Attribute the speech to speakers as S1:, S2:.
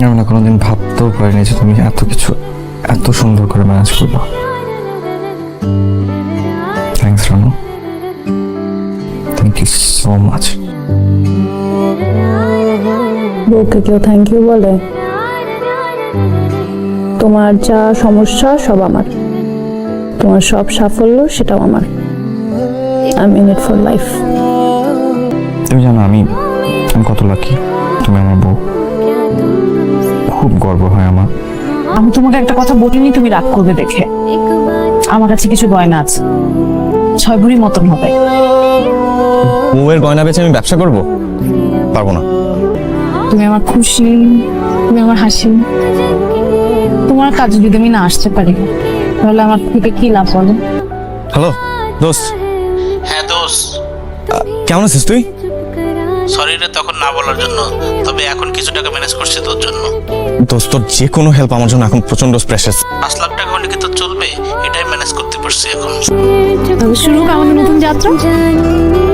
S1: আমি না কোনোদিন ভাবতেও পারিনি যে তুমি এত কিছু এত সুন্দর করে ম্যানেজ করবে। Thanks Ranu, thank you so much.
S2: বউকে কেউ থ্যাংক ইউ বলে? তোমার যা সমস্যা সব আমার, তোমার সব সাফল্য সেটাও আমার। I mean it for life.
S1: তুমি জানো আমি কত লাকি, তুমি আমার বউ। খুব গর্ব হয় আমার।
S3: আমি তোমাকে একটা কথা বলিনি, তুমি রাগ করবে দেখে। আমার কাছে কিছু গয়না আছে, 6 ভরি মতন হবে।
S1: বউয়ের গয়না বেচে আমি ব্যবসা করব? পারবো না।
S3: তুমি আমার খুশি, তুমি আমার হাসি। তোমার কাজে যদি আমি না আসতে পারি তাহলে আমার থেকে কি লাভ বলো?
S1: হ্যালো দোস্ত।
S4: হ্যাঁ দোষ,
S1: কেমন আছিস তুই?
S4: সরি রে তখন না বলার জন্য, তবে এখন কিছু টাকা ম্যানেজ করছি তোর জন্য।
S1: দোস্ত তোর যে কোনো হেল্প আমার জন্য এখন প্রচন্ড প্রেশাস।
S4: 5 লাখ টাকা হলে কি তোর চলবে? এটাই ম্যানেজ করতে পারছি এখন।
S3: তবে শুরু হোক আমাদের নতুন যাত্রা।